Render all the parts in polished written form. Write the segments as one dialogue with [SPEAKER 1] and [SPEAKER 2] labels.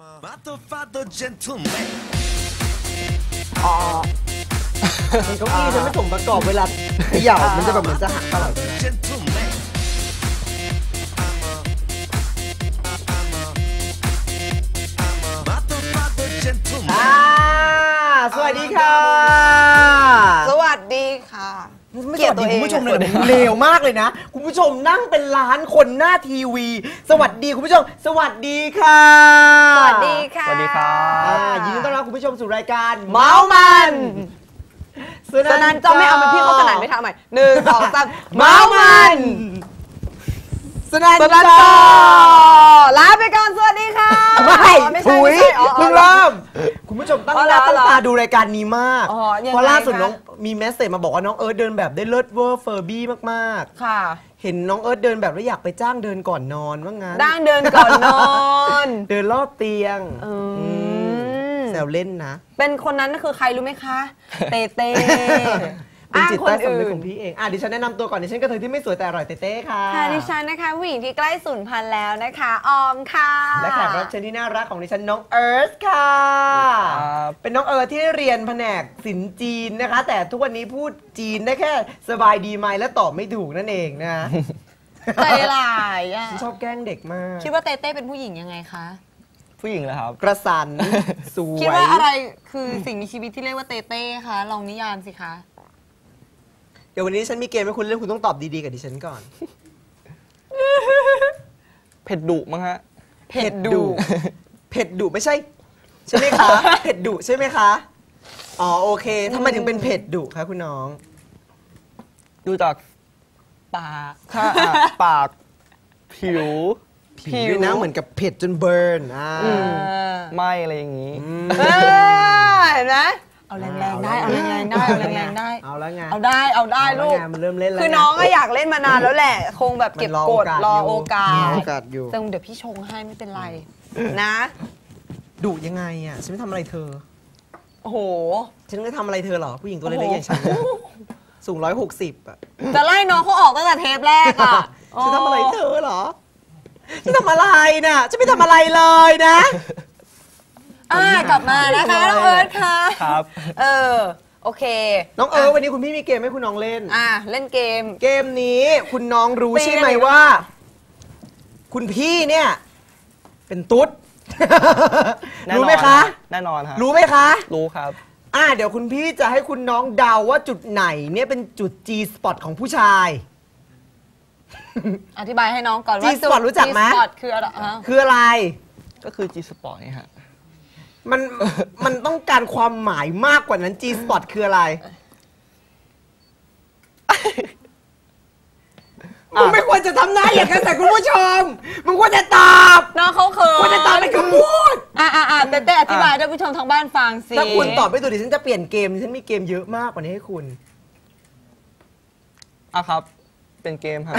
[SPEAKER 1] อ๋อเก้าอี้ฉันไม่ส่งประกอบเวลาเขย่ามันจะแบบเหมือนจะหักตลอดสวัสดีค่ะ
[SPEAKER 2] สวัสดีค่ะ
[SPEAKER 1] ไม่สวัสดีคุณผู้ชมเลยเลวมากเลยนะคุณผู้ชมนั่งเป็นล้านคนหน้าทีวีสวัสดีคุณผู้ชมสวัสดีค่ะ
[SPEAKER 2] สวัสดีค่ะ
[SPEAKER 3] สวัสดีครับ
[SPEAKER 1] ยินดีต้อนรับคุณผู้ชมสู่รายการ
[SPEAKER 2] เมามันสนั่นจะไม่เอามันพี่เขาสนั่นไม่ทำใหม่1 2 3เมามัน
[SPEAKER 1] สนั่น
[SPEAKER 2] จอลาไปก่อนสวัสดีค่ะ
[SPEAKER 1] ไม่ใช่เพิ่งเริ่มคุณผู้ชมตั้งหน้าตั้งตาดูรายการนี้มากเพราะล่าสุดน้องมีเมสเซจมาบอกว่าน้องเอิร์ธเดินแบบได้เลิศเวอร์เฟอร์บี้มาก
[SPEAKER 2] ๆค่ะ
[SPEAKER 1] เห็นน้องเอิร์ธเดินแบบแล้วอยากไปจ้างเดินก่อนนอนว่างั้น
[SPEAKER 2] เดินก่อนนอน
[SPEAKER 1] เดินรอบเตียงแซวเล่นนะ
[SPEAKER 2] เป็นคนนั้นคือใครรู้ไหมคะเต้
[SPEAKER 1] เป็นจิตใต้สำนึกของพี่เองดิฉันแนะนำตัวก่อนดิฉันกระเทยที่ไม่สวยแต่อร่อยเต้ค่ะ
[SPEAKER 2] ดิฉันนะคะผู้หญิงที่ใกล้สูญพันธุ์แล้วนะคะออมค่ะ
[SPEAKER 1] และแขกรับเชิญที่น่ารักของดิฉันน้องเอิร์ธค่ะเป็นน้องเอิร์ธที่เรียนแผนกศิลป์จีนนะคะแต่ทุกวันนี้พูดจีนได้แค่สบายดีไหมและตอบไม่ถูกนั่นเองนะ
[SPEAKER 2] ใจร้ายอ่ะ
[SPEAKER 1] ชอบแกล้งเด็กมาก
[SPEAKER 2] คิดว่าเต้เป็นผู้หญิงยังไงคะ
[SPEAKER 3] ผู้หญิงเหรอครับ
[SPEAKER 1] กระสันสวย
[SPEAKER 2] คิดว่าอะไรคือสิ่งมีชีวิตที่เรียกว่าเต้คะลองนิยามสิคะ
[SPEAKER 1] เดี๋ยววันนี้ฉันมีเกมให้คุณเล่นคุณต้องตอบดีๆกับดิฉันก่อน
[SPEAKER 3] เผ็ดดุมั้งฮะ
[SPEAKER 1] เผ็ดดุไม่ใช่ไหมคะเผ็ดดุใช่ไหมคะอ๋อโอเคทำไมถึงเป็นเผ็ดดุคะคุณน้อง
[SPEAKER 3] ดูจากปากปากผิว
[SPEAKER 1] ด้วยนะเหมือนกับเผ็ดจนเบิร์น
[SPEAKER 3] ไหม้อะไรอย่างนี้
[SPEAKER 2] เห็นไหมเอาแรงๆได้เอาแรงๆได้เอาแรงๆได้
[SPEAKER 1] เอาแล้วไง
[SPEAKER 2] เอาได้ลูก
[SPEAKER 1] มันเริ่มเล่นแล้ว
[SPEAKER 2] คือน้องก็อยากเล่นมานานแล้วแหละคงแบบเก็บกดรอโอกาส
[SPEAKER 1] อยู่
[SPEAKER 2] แต่เดี๋ยวพี่ชงให้ไม่เป็นไรนะ
[SPEAKER 1] ดุยังไงอ่ะฉันไม่ทำอะไรเธอ
[SPEAKER 2] โอ้โห
[SPEAKER 1] ฉันไม่ทำอะไรเธอหรอผู้หญิงตัวเล็กๆอย่างฉันสูง160อ่ะ
[SPEAKER 2] จะไล่น้องเขาออกตั้งแต่เทปแรกอ่ะ
[SPEAKER 1] ฉันทำอะไรเธอหรอฉันทำอะไรน่ะฉันไม่ทำอะไรเลยนะ
[SPEAKER 2] กลับมานะคะน้องเอิร์ธค่ะ
[SPEAKER 3] ครับ
[SPEAKER 2] โอเค
[SPEAKER 1] น้องเอิร์ธวันนี้คุณพี่มีเกมให้คุณน้องเล่น
[SPEAKER 2] เล่นเก
[SPEAKER 1] มนี้คุณน้องรู้ใช่ไหมว่าคุณพี่เนี่ยเป็นตุ๊ดรู้ไหมคะ
[SPEAKER 3] แน่นอนครับ
[SPEAKER 1] รู้ไหมคะ
[SPEAKER 3] รู้ครับ
[SPEAKER 1] เดี๋ยวคุณพี่จะให้คุณน้องเดาว่าจุดไหนเนี่ยเป็นจุด G spot ของผู้ชาย
[SPEAKER 2] อธิบายให้น้องก่อนว่า
[SPEAKER 1] G spot รู้จักไหม
[SPEAKER 2] G spot คือ
[SPEAKER 1] อะไร
[SPEAKER 3] ก็คือ G spot นี่ฮะ
[SPEAKER 1] มันต้องการความหมายมากกว่านั้น G spot คืออะไรมึงไม่ควรจะทำหน้าอย่างนั้นแต่คุณผู้ชมมึงควรจะตอบ
[SPEAKER 2] น้องเขาเขิน
[SPEAKER 1] ควรจะตอบเป็นคำพูด
[SPEAKER 2] เต้อธิบายให้ผู้ชมทางบ้านฟังสิ
[SPEAKER 1] ถ้าคุณตอบไม่ถูกดิฉันจะเปลี่ยนเกมดิฉันมีเกมเยอะมากกว่านี้ให้คุณ
[SPEAKER 3] ครับเป็นเกมครับ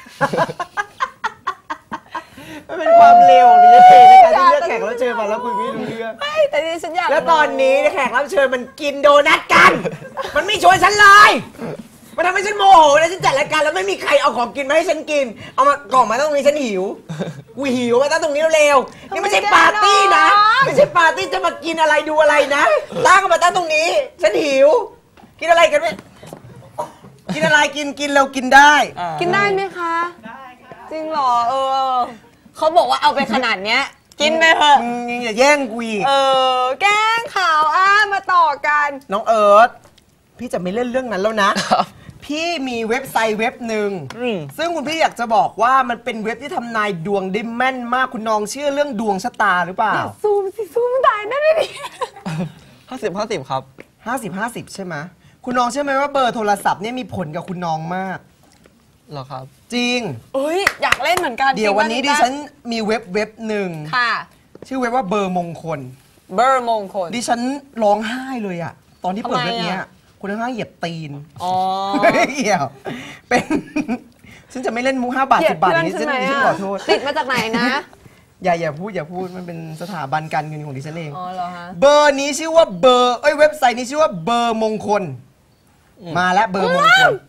[SPEAKER 1] มันเป็นความเร็วของดิฉันเองในการที่เลือกแขกรับเชิญมาแล้วคุยไม่รู้เรื่อง
[SPEAKER 2] แต่ดิฉันอยาก
[SPEAKER 1] แล้วตอนนี้แขกรับเชิญมันกินโดนัทกันมันไม่ชวนฉันเลยมันทำให้ฉันโมโหนะฉันจัดรายการแล้วไม่มีใครเอาของกินมาให้ฉันกินเอามากล่องมาตั้งตรงนี้ฉันหิวกูหิวมาตั้งตรงนี้เร็วนี่ไม่ใช่ปาร์ตี้นะไม่ใช่ปาร์ตี้จะมากินอะไรดูอะไรนะตั้งมาตั้งตรงนี้ฉันหิวกินอะไรกันไหมกินอะไรกินเรากินได้
[SPEAKER 2] กินได้ไหมคะได้จริงเหรอเขาบอกว่าเอาไปขนาดเนี้ยกินไปเถอะ
[SPEAKER 1] อย่าแย่งกูอีก
[SPEAKER 2] แกล้งข่าวมาต่อกัน
[SPEAKER 1] น้องเอิร์ธพี่จะไม่เล่นเรื่องนั้นแล้วนะพี่มีเว็บไซต์เว็บหนึ่งซึ่งคุณพี่อยากจะบอกว่ามันเป็นเว็บที่ทำนายดวงได้แม่นมากคุณน้องเชื่อเรื่องดวงชะตาหรือเปล่า
[SPEAKER 2] ซูมได้นั่นเลยดิ
[SPEAKER 3] 50-50ครับ
[SPEAKER 1] 50-50ใช่ไหมคุณน้องเชื่อไหมว่าเบอร์โทรศัพท์เนี่ยมีผลกับคุณน้องมาก
[SPEAKER 3] เหรอครับ
[SPEAKER 1] จริง
[SPEAKER 2] อยากเล่นเหมือนกัน
[SPEAKER 1] เดี๋ยววันนี้ดิฉันมีเว็บหนึ่ง
[SPEAKER 2] ค่ะ
[SPEAKER 1] ชื่อเว็บว่าเบอร์มงคลดิฉันร้องไห้เลยอะตอนที่เปิดเว็บนี้คุณทั้งเหยียบตีนเกี่ยวเป็นฉันจะไม่เล่นมุก5 บาท 10 บาทนี้ฉันขอโทษ
[SPEAKER 2] ติดมาจากไหนนะ
[SPEAKER 1] อย่าพูดมันเป็นสถาบันการเงินของดิฉันเอง
[SPEAKER 2] เหรอฮะ
[SPEAKER 1] เบอร์นี้ชื่อว่าเบอร์เว็บไซต์นี้ชื่อว่าเบอร์มงคลมาแล้วเบอร์มงคล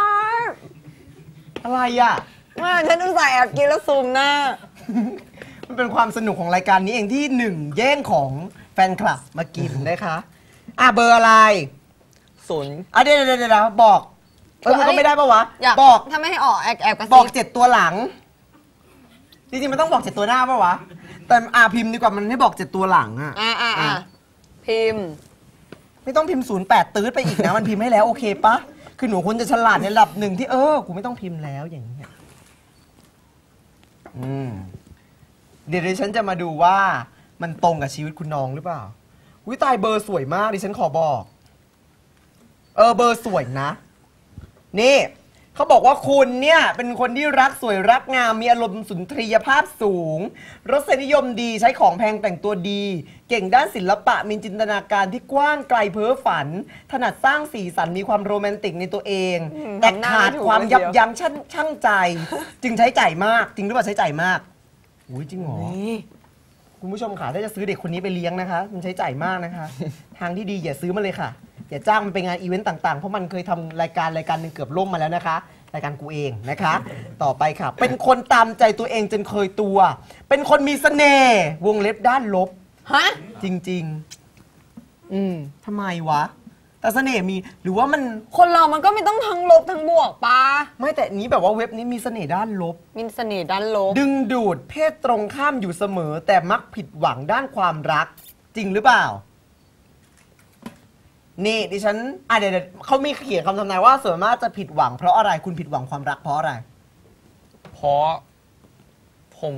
[SPEAKER 1] อะไรอ่ะ
[SPEAKER 2] ฉันอุตส่าห์แอบกินแล้วซูมหน้า
[SPEAKER 1] มันเป็นความสนุกของรายการนี้เองที่หนึ่งแย่งของแฟนคลับมากินนะคะเบอร์อะไร
[SPEAKER 3] ศูนย์
[SPEAKER 1] เดี๋ยวบอกมันก็ไม่ได้ปะวะ
[SPEAKER 2] อยาก
[SPEAKER 1] บอก
[SPEAKER 2] ถ้าไม่ให้ออกแอบกระ
[SPEAKER 1] บ
[SPEAKER 2] ซิ
[SPEAKER 1] อก 7 ตัวหลัง จริงๆมันต้องบอก7ตัวหน้าปะวะ แต่พิมพ์ดีกว่ามันให้บอก7ตัวหลังอะ
[SPEAKER 2] พิมพ์
[SPEAKER 1] ไม่ต้องพิมพ์08ตืดไปอีกนะ มันพิมพ์ให้แล้วโอเคปะคือหนูควรจะฉลาดในระดับหนึ่งที่กูไม่ต้องพิมพ์แล้วอย่างนี้ยเดี๋ยวดิฉันจะมาดูว่ามันตรงกับชีวิตคุณน้องหรือเปล่าวิตายเบอร์สวยมากดิฉันขอบอกเบอร์สวยนะนี่เขาบอกว่าคุณเนี่ยเป็นคนที่รักสวยรักงามมีอารมณ์สุนทรียภาพสูงรสนิยมดีใช้ของแพงแต่งตัวดี เก่งด้านศิลปะมีจินตนาการที่กว้างไกลเพ้อฝัน ถนัดสร้างสีสันมีความโรแมนติกในตัวเองแต่ขาดความยับยั้งชั่งใจ จึงใช้จ่ายมากจริงหรือเปล่าใช้จ่ายมากอุ้ยจริงเหรอคุณผู้ชมขาถ้าจะซื้อเด็กคนนี้ไปเลี้ยงนะคะมันใช้จ่ายมากนะคะ ทางที่ดีอย่าซื้อมาเลยค่ะอย่าจ้างมันไปงานอีเวนต์ต่างๆ เพราะมันเคยทำรายการหนึ่งเกือบล่มมาแล้วนะคะรายการกูเองนะคะ ต่อไปค่ะ เป็นคนตามใจตัวเองจนเคยตัว เป็นคนมีเสน่ห์วงเล็บด้านลบ
[SPEAKER 2] ฮะ
[SPEAKER 1] จริงๆทำไมวะ แต่เสน่ห์มีหรือว่ามัน
[SPEAKER 2] คนเรามันก็ไม่ต้องทั้งลบทั้งบวกปะ
[SPEAKER 1] ไม่แต่นี้แบบว่าเว็บนี้มีเสน่ห์ด้านลบ
[SPEAKER 2] มีเสน่ห์ด้านลบ
[SPEAKER 1] ดึงดูดเพศตรงข้ามอยู่เสมอ แต่มักผิดหวังด้านความรัก จริงหรือเปล่า นี่ดิฉันเดี๋ยวเขามีเขียนคำทำนายว่าส่วนมากจะผิดหวังเพราะอะไรคุณผิดหวังความรักเพราะอะไร
[SPEAKER 3] เพราะผม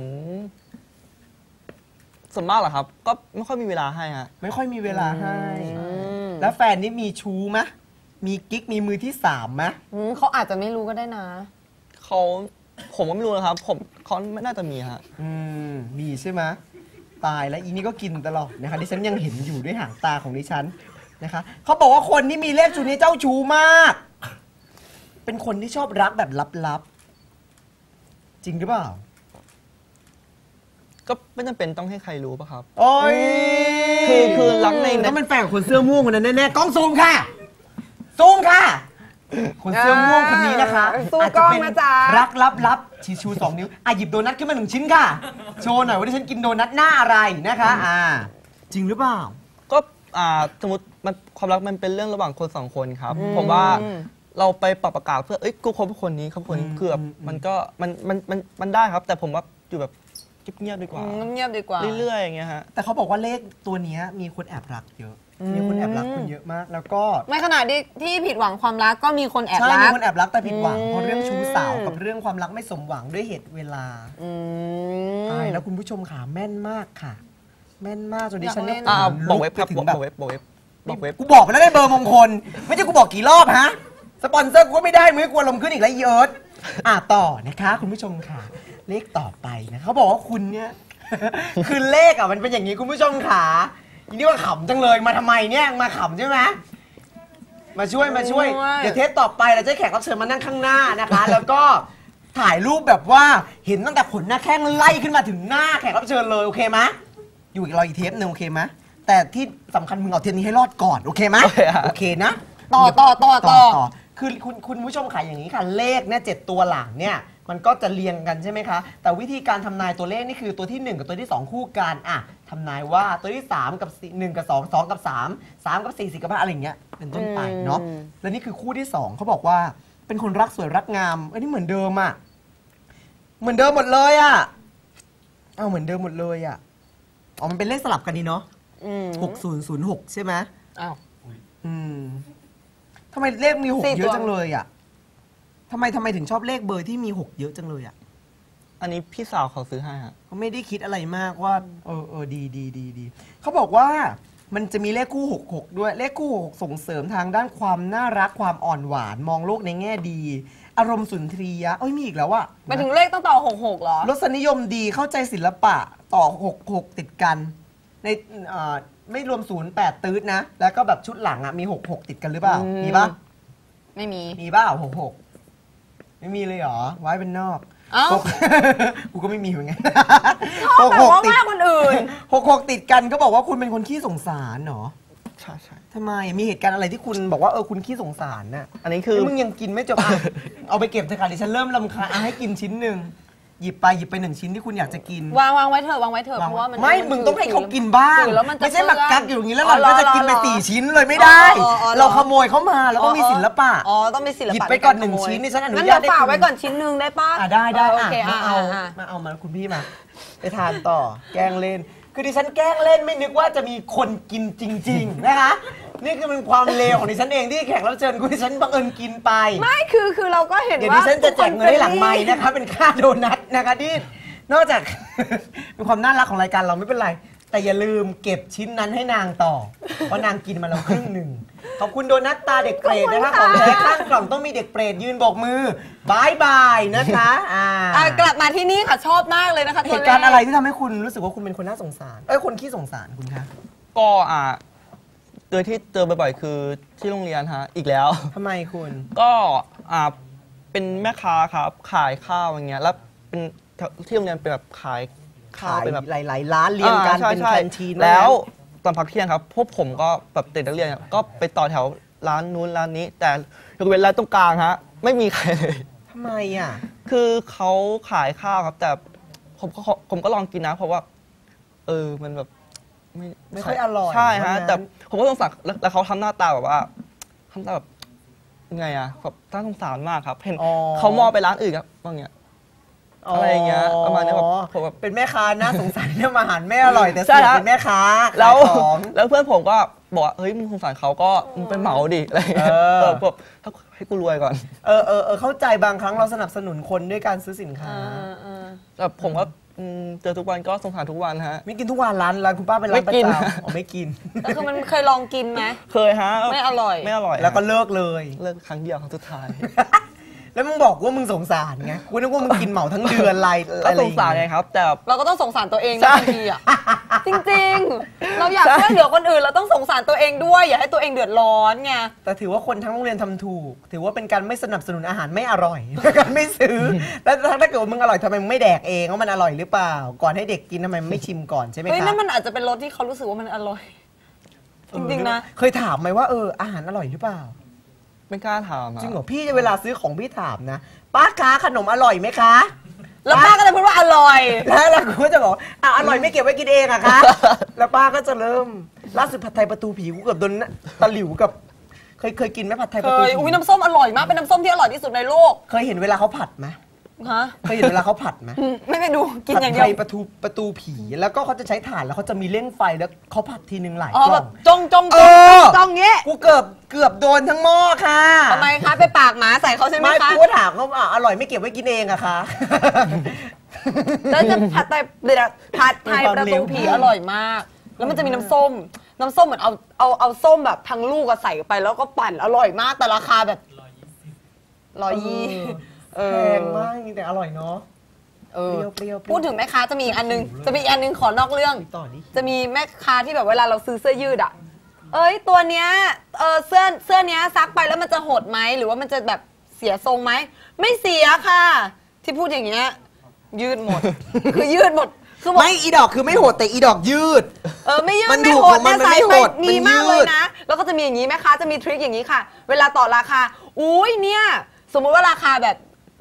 [SPEAKER 3] ส่วนมากเหรอครับ ก็ไม่ค่อยมีเวลาให้ฮะ
[SPEAKER 1] ไม่ค่อยมีเวลาให้ แล้วแฟนนี่มีชู้ไหมมีกิ๊กมีมือที่สามไหม
[SPEAKER 2] เขาอาจจะไม่รู้ก็ได้นะ
[SPEAKER 3] ผมก็ไม่รู้นะครับ เขาไม่น่าจะมีฮะ
[SPEAKER 1] มีใช่ไหมตายแล้วอีนี่ก็กินตลอดนะคะดิฉันยังเห็นอยู่ด้วยหางตาของดิฉันนะคะเขาบอกว่าคนที่มีเลขชูนี้เจ้าชู้มาก เป็นคนที่ชอบรักแบบลับๆจริงหรือเปล่า
[SPEAKER 3] ก็ไม่จำเป็นต้องให้ใครรู้ป่ะครับ
[SPEAKER 1] โอ้ย
[SPEAKER 3] คือรักใน
[SPEAKER 1] ต้องเป็นแฟนกับคนเสื้อม่วงคนนั้นแน่ๆกล้องซูมค่ะซูมค่ะ คนเสื้อม่วงคนนี้นะคะ
[SPEAKER 2] สู้
[SPEAKER 1] อาจ
[SPEAKER 2] กล้
[SPEAKER 1] จะ
[SPEAKER 2] อง
[SPEAKER 1] เป็น
[SPEAKER 2] นะจ๊ะ
[SPEAKER 1] รักลับๆชี้ชู2 นิ้วหยิบโดนัทขึ้นมา1 ชิ้นค่ะ โชว์หน่อยว่าที่ฉันกินโดนัทหน้าอะไรนะคะจริงหรือเปล่า
[SPEAKER 3] ก็สมมติความรักมันเป็นเรื่องระหว่างคน2 คนครับ ผมว่าเราไปปรับประกาศเพื่อกูคบคนนี้ครับคนนี้คือแบบมันได้ครับ แต่ผมว่าอยู่แบบเงียบๆดีกว่า
[SPEAKER 2] เงียบๆดีกว่า
[SPEAKER 3] เรื่อยๆอย่างเงี้ยฮะ
[SPEAKER 1] แต่เขาบอกว่าเลขตัวเนี้ยมีคนแอบรักเยอะ มีคนแอบรักคุณเยอะมาก แล้วก็
[SPEAKER 2] ไม่ขนาดที่ผิดหวังความรักก็มีคนแอบ
[SPEAKER 1] ใช่
[SPEAKER 2] รั
[SPEAKER 1] มี
[SPEAKER 2] ก
[SPEAKER 1] คนแอบรักแต่ผิดหวังเพราะเรื่องชู้สาวกับเรื่องความรักไม่สมหวังด้วยเหตุเวลาตายแล้วคุณผู้ชมขาแม่นมากค่ะ แม่นมากจนดิฉันเนี่ย
[SPEAKER 3] บอกเว็บครับ
[SPEAKER 1] ถึง
[SPEAKER 3] บอก
[SPEAKER 1] แบบ
[SPEAKER 3] เว็บบอกเว็บบอกเว็บ
[SPEAKER 1] กูบอกไปแล้วได้เบอร์มงคล ไม่ใช่กูบอกกี่รอบฮะ สปอนเซอร์กูก็ไม่ได้มึงให้กูลมณ์ขึ้นอีกแล้วอีเอิร์ธต่อนะคะคุณผู้ชมค่ะ เลขต่อไปนะเขาบอกว่าคุณเนี่ย คือเลขมันเป็นอย่างนี้คุณผู้ชมขาอีนี่ว่าขำจังเลยมาทำไมเนี่ยมาขำใช่ไหมมาช่วยเดี๋ยวเทปต่อไปเราจะให้แขกรับเชิญมานั่งข้างหน้านะคะ แล้วก็ถ่ายรูปแบบว่าเห็นตั้งแต่ขนหน้าแข้งไล่ขึ้นมาถึงหน้าแขกรับเชิญเลยโอเคไหมอยู่อีกรออีกเทปหนึงโอเคไหมแต่ที่สำคัญมึงเอาเทปนี้ให้รอดก่อนโอเคไหมโอเคนะ
[SPEAKER 2] ต่อ
[SPEAKER 1] คือคุณผู้ชมขายอย่างนี้ค่ะเลขเนี่ย7 ตัวหลังเนี่ยมันก็จะเรียงกันใช่ไหมคะแต่วิธีการทำนายตัวเลขนี่คือตัวที่ 1 กับตัวที่ 2 คู่กันทำนายว่าตัวที่ 3 กับ1 กับ 2 2 กับ 3 3 กับ 4 4 กับ 5อะไรอย่างเงี้ยเป็นต้นไปเนาะและนี่คือคู่ที่ 2เขาบอกว่าเป็นคนรักสวยรักงามอันนี้เหมือนเดิมเหมือนเดิมหมดเลยเหมือนเดิมหมดเลยมันเป็นเลขสลับกันดีเนาะ6006ใช่ไหม
[SPEAKER 2] อ้าว
[SPEAKER 1] ทำไมเลขมี6
[SPEAKER 2] 4
[SPEAKER 1] เยอะจังเลยทำไมถึงชอบเลขเบอร์ที่มี6เยอะจังเลย
[SPEAKER 3] อันนี้พี่สาวเขาซื้อให้ฮะ
[SPEAKER 1] เขาไม่ได้คิดอะไรมากว่าดีเขาบอกว่ามันจะมีเลขคู่66ด้วยเลขคู่6ส่งเสริมทางด้านความน่ารักความอ่อนหวานมองโลกในแง่ดี อารมณ์สุนทรียะมีอีกแล้ว
[SPEAKER 2] หมายถึงเลขต้องต่อ66เหรอ
[SPEAKER 1] รสนิยมดีเข้าใจศิลปะต่อ66ติดกันในไม่รวม08ตืดนะแล้วก็แบบชุดหลังมี66ติดกันหรือเปล่ามีปะ
[SPEAKER 2] ไม่มี
[SPEAKER 1] มีบ้า66ไม่มีเลยเหรอไว้เป็นนอก กูก็ไม่มีเหมือนกัน
[SPEAKER 2] ชอบแบบว่าว่าคนอื่น
[SPEAKER 1] 66ติดกันก็บอกว่าคุณเป็นคนขี้สงสารเหรอ
[SPEAKER 3] ใช่
[SPEAKER 1] ทำไมมีเหตุการณ์อะไรที่คุณบอกว่าคุณขี้สงสารน่ะ
[SPEAKER 3] อันนี้คือ
[SPEAKER 1] มึงยังกินไม่จบเอาไปเก็บเถอะค่ะดิฉันเริ่มรำคาญให้กินชิ้นหนึ่งหยิบไปหนึ่งชิ้นที่คุณอยากจะกิน
[SPEAKER 2] วางไว้เถอะวางไว้เถอะเพราะว่ามัน
[SPEAKER 1] ไม่มึงต้องให้เขากินบ้าง
[SPEAKER 2] ถือแล้วมันจะ
[SPEAKER 1] ไม่ใช่มากักอยู่อย่างนี้แล้วเรา
[SPEAKER 2] อ๋อ
[SPEAKER 1] ก็จะกินไป
[SPEAKER 2] เหรอ
[SPEAKER 1] 4 ชิ้นเลยไม่ได้ เราขโมยเขามาแล้วก็มีศิลปะ
[SPEAKER 2] อ๋อต้องมีศิลปะ
[SPEAKER 1] หยิบไปก่อน1 ชิ้นนี่ฉันอนุ
[SPEAKER 2] งั้น
[SPEAKER 1] ญาต
[SPEAKER 2] เดี๋ยวฝาก
[SPEAKER 1] ให้คุณ
[SPEAKER 2] ไว้ก่อนชิ้นหนึงได้ป่ะ
[SPEAKER 1] ได้
[SPEAKER 2] โอเค
[SPEAKER 1] มาเอา
[SPEAKER 2] อ่ะ
[SPEAKER 1] มาคุณพี่มาไปทานต่อแกล้งเล่น คือดิฉันแกล้งเล่นไม่นึกว่าจะมีคนกินจริง ๆ นะคะนี่คือเป็นความเลวของดิฉันเองที่แขกรับเชิญคุณดิฉันบังเอิญกินไป
[SPEAKER 2] ไม่คือเราก็เห็น
[SPEAKER 1] เดี๋ยว
[SPEAKER 2] ว่า
[SPEAKER 1] ดิฉันจะแจกเงินให้หลังไม้นะคะเป็นค่าโดนัทนะคะที่นอกจาก เป็นความน่ารักของรายการเราไม่เป็นไร แต่อย่าลืมเก็บชิ้นนั้นให้นางต่อ เพราะนางกินมาแล้วครึ่งหนึ่งขอบคุณโดนัทตาเด็กเปรตนะคะของแท้ข้างกล่องต้องมีเด็กเปรตยืนโบกมือบายบายนะคะ
[SPEAKER 2] กลับมาที่นี่ค่ะชอบมากเลยนะคะ
[SPEAKER 1] เหตุการณ์อะไรที่ทำให้คุณรู้สึกว่าคุณเป็นคนน่าสงสารคนขี้สงสารคุณคะ
[SPEAKER 3] ก็ที่เจอบ่อยๆคือที่โรงเรียนฮะอีกแล้ว
[SPEAKER 1] ทำไมคุณ
[SPEAKER 3] ก็เป็นแม่ค้าครับขายข้าวอย่างเงี้ยแล้วเป็นที่โรงเรียนเป็นแบบขายข้าวเป็นแบบ
[SPEAKER 1] หลายๆร้านเรียงกันเป็นแคนทีน
[SPEAKER 3] แล้วตอนพักเที่ยงครับพวกผมก็แบบเด็กนักเรียนก็ไปต่อแถวร้านนู้นร้านนี้ แต่ยกเว้นร้านตรงกลางฮะไม่มีใครเลย
[SPEAKER 1] ทำไมอ่ะ
[SPEAKER 3] คือเขาขายข้าวครับแต่ผมก็ลองกินนะเพราะว่ามันแบบ
[SPEAKER 1] ไม่ค่อยอร่อย
[SPEAKER 3] ใช่ฮะแต่ผมก็สงสารแล้วเขาทำหน้าตาแบบว่าทำตาแบบไงอะแบบน่าสงสารมากครับเห็นเขามองไปร้านอื่นครับบางอย่างอะไรอย่างเงี้ยประมาณนี้ผมแบบ
[SPEAKER 1] เป็นแม่ค้าน่าสงสารที่มาอาหารไม่อร่อยแต่เสียเป็นแม่ค้า
[SPEAKER 3] แล้วเพื่อนผมก็บอกว่าเฮ้ยมึงสงสารเขาก็มึงไปเหมาดิอะไรอย่างเงี้ยแบบให้กูรวยก่อน
[SPEAKER 1] เข้าใจบางครั้งเราสนับสนุนคนด้วยการซื้อสินค้า
[SPEAKER 3] แต่ผมก็เจอทุกวันก็สงสารทุกวันฮะ
[SPEAKER 1] ไม่กินทุกวันร้านคุณป้าเป็นร้านประจำไม่กิน
[SPEAKER 2] แต่คือมันเคยลองกินไหม
[SPEAKER 3] เคยฮะ
[SPEAKER 2] ไม่อร่อย
[SPEAKER 1] แล้วก็เลิก
[SPEAKER 3] ครั้งเดียวครั้งสุดท้าย
[SPEAKER 1] แล้วมึงบอกว่ามึงสงสารไงกูนึกว่ามึงกินเหมาทั้งเดือนอะไร
[SPEAKER 3] ก็สงสารไงครับแต่
[SPEAKER 2] เราก็ต้องสงสารตัวเองบางทีอ่ะจริงๆเราอยากช่วยเหลือคนอื่นเราต้องสงสารตัวเองด้วยอย่าให้ตัวเองเดือดร้อนไง
[SPEAKER 1] แต่ถือว่าคนทั้งโรงเรียนทำถูกถือว่าเป็นการไม่สนับสนุนอาหารไม่อร่อยการไม่ซื้อแล้วถ้าเกิดมึงอร่อยทำไมมึงไม่แดกเองว่ามันอร่อยหรือเปล่าก่อนให้เด็กกินทำไมไม่ชิมก่อนใช่ไหมครับ
[SPEAKER 2] นั่นมันอาจจะเป็นรสที่เขารู้สึกว่ามันอร่อยจริงๆนะ
[SPEAKER 1] เคยถามไหมว่าอาหารอร่อยหรือเปล่า
[SPEAKER 3] ไม่กล้าถาม
[SPEAKER 1] จริงเหรอพี่เวลาซื้อของพี่ถามนะป้าคะขนมอร่อยไหมคะ
[SPEAKER 2] แล้วป้าก็จะพูดว่าอร่อย
[SPEAKER 1] แล้วกูก็จะบอกอร่อยไม่เก็บไว้กินเองอะคะแล้วป้าก็จะเริ่มล่าสุดผัดไทยประตูผีกูเกือบโดนตะหลิวกับเคยกินไหมผัดไทยประตูผี
[SPEAKER 2] อุ้ยน้ำส้มอร่อยมากเป็นน้ำส้มที่อร่อยที่สุดในโลก
[SPEAKER 1] เคยเห็นเวลาเขาผัดไหม
[SPEAKER 2] ฮะ
[SPEAKER 1] เคยเห็นเวลาเขาผัดไหม
[SPEAKER 2] ไม่ไปดูกินอย่างเดียว
[SPEAKER 1] ผัดไทยประตูผีแล้วก็เขาจะใช้ถ่านแล้วเขาจะมีเร่งไฟแล้วเขาผัดทีนึงหลายกล่อง
[SPEAKER 2] จ้องเงี้ย
[SPEAKER 1] กูเกือบโดนทั้งหม้อค่ะ
[SPEAKER 2] ทำไมคะไปปากหมาใส่เขาใช่ไหมคะ
[SPEAKER 1] ไม่กูถามเขาอร่อยไม่เก็บไว้กินเองอะคะ
[SPEAKER 2] แล้วจะผัดไทยประตูผีอร่อยมากแล้วมันจะมีน้ำส้มเหมือนเอาส้มแบบทั้งลูกใส่ไปแล้วก็ปั่นอร่อยมากแต่ราคาแบบ120
[SPEAKER 1] แพงมากแต่อร่อยเนาะเปรี้ยว
[SPEAKER 2] พูดถึงแม่ค้าจะมีอีกอันนึงขอนอกเรื่องจะมีแม่ค้าที่แบบเวลาเราซื้อเสื้อยืดอ่ะตัวเนี้ยเสื้อเนี้ยซักไปแล้วมันจะหดไหมหรือว่ามันจะแบบเสียทรงไหมไม่เสียค่ะที่พูดอย่างเงี้ยยืดหมดคือยืดหมด
[SPEAKER 1] ไม่อีดอกคือไม่หดแต่อีดอกยืด
[SPEAKER 2] ไม่ยืดไม่หดเนี่ยใส่ไปมีมากเลยนะแล้วก็จะมีอย่างนี้แม่ค้าจะมีทริคอย่างนี้ค่ะเวลาต่อราคาอุ้ยเนี่ยสมมุติว่าราคาแบบ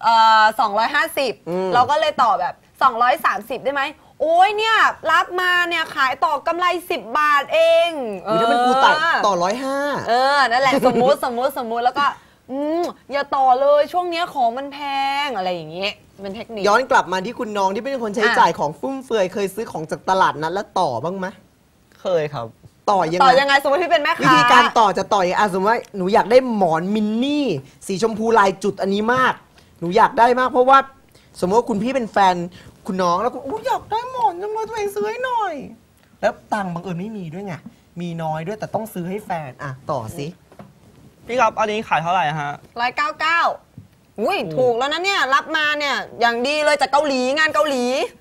[SPEAKER 2] 250เราก็เลยต่อแบบ230ได้ไหมโอ้ยเนี่ยรับมาเนี่ยขายต่อกำไร10 บาทเอง
[SPEAKER 1] ถ้าเป็นกูต่อ150
[SPEAKER 2] นั่นแหละสมมุติแล้วก็อย่าต่อเลยช่วงนี้ของมันแพงอะไรอย่างเงี้ยเป็นเทคนิค
[SPEAKER 1] ย้อนกลับมาที่คุณน้องที่เป็นคนใช้จ่ายของฟุ่มเฟือยเคยซื้อของจากตลาดนั้นแล้วต่อบ้างไหม
[SPEAKER 3] เคยครับ
[SPEAKER 1] ต่อยังไง
[SPEAKER 2] สมมติที่เป็นแม่ค้า
[SPEAKER 1] วิธีการต่อจะต่ออย่างสมมติว่าหนูอยากได้หมอนมินนี่สีชมพูลายจุดอันนี้มากหนูอยากได้มากเพราะว่าสมมติว่าคุณพี่เป็นแฟนคุณน้องแล้วก็อยากได้หมอนจังเลยตัวเองซื้อให้หน่อยแล้วตังค์บังเอิญไม่มีด้วยไงมีน้อยด้วยแต่ต้องซื้อให้แฟนต่อสิ
[SPEAKER 3] พี่ครับอันนี้ขายเท่าไหร่ฮะ
[SPEAKER 2] 199อุ้ยถูกแล้วนะเนี่ยรับมาเนี่ยอย่างดีเลยจากเกาหลีงานเกาหลี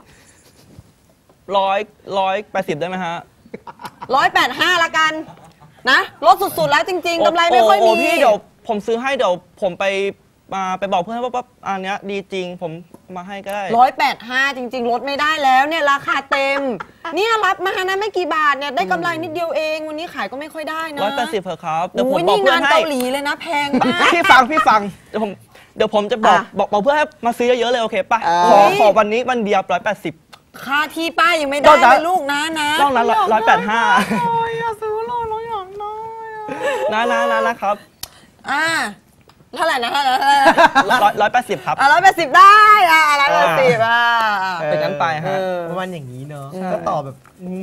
[SPEAKER 3] 180ได้ไหมฮะ
[SPEAKER 2] 185ละกันนะลดสุดๆแล้วจริงๆกำไรไม่ค่อยมี
[SPEAKER 3] พี่เดี๋ยวผมซื้อให้เดี๋ยวผมไปบอกเพื่อนว่าอันเนี้ยดีจริงผมมาให้ก็ได้
[SPEAKER 2] 185จริงๆลดไม่ได้แล้วเนี่ยราคาเต็มเนี่ยรับมานะไม่กี่บาทเนี่ยได้กำไรนิดเดียวเองวันนี้ขายก็ไม่ค่อยได้นะ
[SPEAKER 3] 180เถอะครับเดี๋ยวผมบอกเพื่อนให้
[SPEAKER 2] งานเกาหลีเลยนะแพงมาก
[SPEAKER 3] พี่ฟังเดี๋ยวผมเดี๋ยวผมจะบอกเพื่อให้มาซื้อเยอะๆเลยโอเคป่ะขอวันนี้วันเดียว180
[SPEAKER 2] ค่าที่ป้ายังไม่ได้เลยลูกนะ
[SPEAKER 3] นอกนั้น185
[SPEAKER 2] อย่าซื้อเลยเราอยากได้
[SPEAKER 3] นะครับ
[SPEAKER 2] เท่าไหร่นะ
[SPEAKER 3] 180ครับ
[SPEAKER 2] 180ได้180
[SPEAKER 3] เป็นงั้นไปฮะ
[SPEAKER 1] ประมาณอย่างนี้เนาะก็ต่อแบบ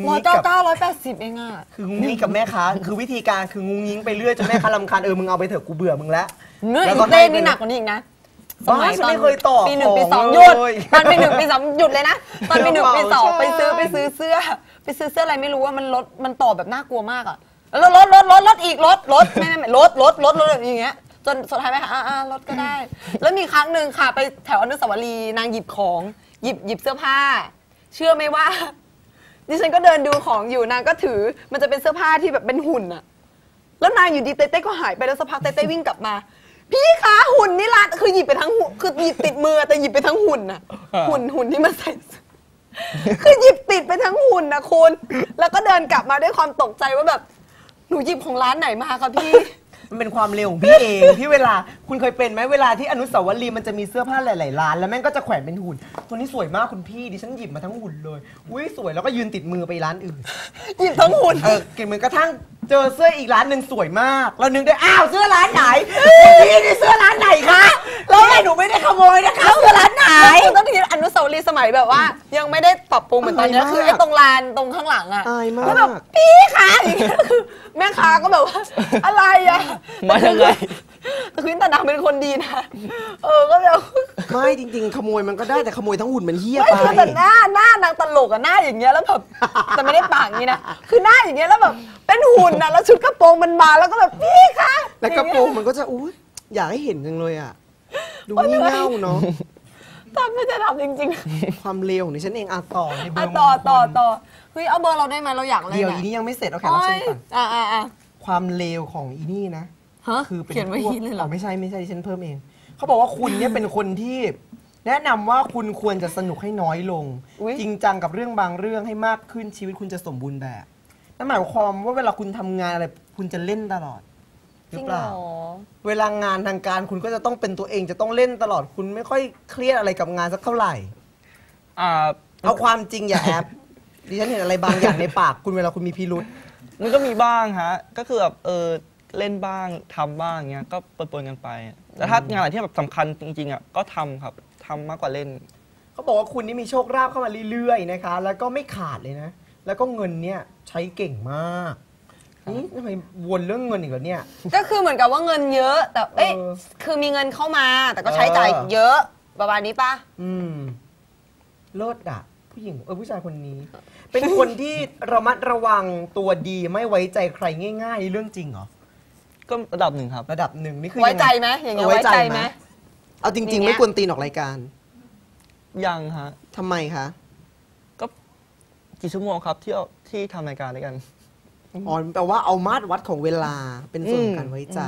[SPEAKER 2] 199 180เองอ่ะ
[SPEAKER 1] คืองุ้งงิ้งกับแม่ค้าคือวิธีการคืองุ้งงิ้งไปเรื่อยจนแม่ค้ารำคาญมึงเอาไปเถอะกูเบื่อมึงแล้ว
[SPEAKER 2] แล้วก็เต้นนี่หนักกว่านี้อีกนะ
[SPEAKER 1] สมัยตอนไม่เคยต่อ
[SPEAKER 2] ปี1ปี2หยุดตอนปี1ปี2หยุดเลยนะตอนปี1ปี2ไปซื้อเสื้ออะไรไม่รู้ว่ามันต่อแบบน่ากลัวมากอ่ะแล้วลดอีกลดไม่ลดอย่างเงี้ยจนสุดท้ายไปลดก็ได้แล้วมีครั้งหนึ่งค่ะไปแถวอนุสาวรีย์นางหยิบของหยิบเสื้อผ้าเชื่อไหมว่าดิฉันก็เดินดูของอยู่นางก็ถือมันจะเป็นเสื้อผ้าที่แบบเป็นหุ่นอะแล้วนางอยู่ดีเต้ก็หายไปแล้วสักพักเต้วิ่งกลับมาพี่คะหุ่นนี่ละคือหยิบไปทั้งหุ่นคือหยิบติดมือแต่หยิบไปทั้งหุ่นอะหุ่นที่มันใส่คือหยิบติดไปทั้งหุ่นนะคุณแล้วก็เดินกลับมาด้วยความตกใจว่าแบบหนูหยิบของร้านไหนมาคะพี่
[SPEAKER 1] มันเป็นความเร็วของพี่เองที่เวลาคุณเคยเป็นไหมเวลาที่อนุสาวรีย์มันจะมีเสื้อผ้าหลายๆร้านแล้วแม่งก็จะแขวนเป็นหุ่นตัวนี้สวยมากคุณพี่ดิฉันหยิบมาทั้งหุ่นเลยอุ้ยสวยแล้วก็ยืนติดมือไปร้านอื่น
[SPEAKER 2] หยิบทั้งหุ่น
[SPEAKER 1] เก็บมือกระทั่งเจอเสื้ออีกร้านหนึ่งสวยมากเรานึกได้อ้าวเสื้อร้านไหนคุณพี่นี่เสื้อร้านไหนคะแล้วหนูไม่ได้ขโมยนะคะเสื้อร้านไหน
[SPEAKER 2] ต้องคิดอนุสาวรีย์สมัยแบบว่ายังไม่ได้ปรับปรุงเหมือนตอนนี้คือไอ้ตรงลานตรงข้างหลังอะแล้วแบบพี่คะอย่างเงี้ยคือแม่ค้าก็แบบว่าอะไรอะ
[SPEAKER 3] มายังไง
[SPEAKER 2] แต่คุณตาดำเป็นคนดีนะก็แบบ
[SPEAKER 1] ไม่จริงๆขโมยมันก็ได้แต่ขโมยทั้งหุ่นมันเหี้ยไป
[SPEAKER 2] แต่หน้านางตลกอะหน้าอย่างเงี้ยแล้วแบบแต่ไม่ได้ปากอย่างนี้นะคือหน้าอย่างเงี้ยแล้วแบบเป็นหุ่นนะแล้วชุดกระโปรงมันมาแล้วก็แบบพี่คะ
[SPEAKER 1] แล้วกระโปรงมันก็จะอุ้ยอยากให้เห็นจังเลยอะดูงี่เง่าเนาะ
[SPEAKER 2] ทำไม่จะทำจริง
[SPEAKER 1] ๆความเลวของดิฉันเองต่อในเบอร์
[SPEAKER 2] ต่อเฮ้ยเอาเบอร์เราได้ไหมเราอยากเลย
[SPEAKER 1] เดี๋ยวอีนี่ยังไม่เสร็จเอาแค่รับเชิญก่อนความเลวของอีนี่นะ
[SPEAKER 2] คือเขียนไว้ที่เลยเหรอ
[SPEAKER 1] ไม่ใช่ดิฉันเพิ่มเองเขาบอกว่าคุณเนี่ยเป็นคนที่แนะนำว่าคุณควรจะสนุกให้น้อยลงจริงจังกับเรื่องบางเรื่องให้มากขึ้นชีวิตคุณจะสมบูรณ์แบบนั่นหมายความว่าเวลาคุณทำงานอะไรคุณจะเล่นตลอดหรือเปล่าเวลางานทางการคุณก็จะต้องเป็นตัวเองจะต้องเล่นตลอดคุณไม่ค่อยเครียดอะไรกับงานสักเท่าไหร่เอาความจริงอย่าแอบดิฉันเห็นอะไรบางอย่างในปากคุณเวลาคุณมีพิรุธ
[SPEAKER 3] มันก็มีบ้างฮะก็คือแบบเล่นบ้างทำบ้างเงี้ยก็ปนๆกันไปแต่ถ้างานอะไรที่แบบสำคัญจริงๆอ่ะก็ทำครับทำมากกว่าเล่น
[SPEAKER 1] เขาบอกว่าคุณนี่มีโชคลาภเข้ามาเรื่อยๆนะคะแล้วก็ไม่ขาดเลยนะแล้วก็เงินเนี่ยใช้เก่งมากนี่ทำไมวนเรื่องเงินอีกแล้วเนี่ย
[SPEAKER 2] ก็คือเหมือนกับว่าเงินเยอะแต่คือมีเงินเข้ามาแต่ก็ใช้จ่ายเยอะประมาณนี้ป่ะ
[SPEAKER 1] เลิศอ่ะผู้หญิงผู้ชายคนนี้ เป็นคนที่ระมัดระวังตัวดีไม่ไว้ใจใครง่ายๆเรื่องจริงเหรอ
[SPEAKER 3] ก็ระดับหนึ่งครับ
[SPEAKER 1] ระดับหนึ่งนี่คือ
[SPEAKER 2] ไว้ใจไหมอย่างเงี้ยไว้ใจไหม
[SPEAKER 1] เอาจริงๆไม่ควรตีนออกรายการ
[SPEAKER 3] ยังฮะ
[SPEAKER 1] ทำไมคะ
[SPEAKER 3] ก็กี่ชั่วโมงครับที่ทำรายการด้วยกัน
[SPEAKER 1] อ๋อแปลว่าเอามาตรวัดของเวลาเป็นส่วนการไว้ใจ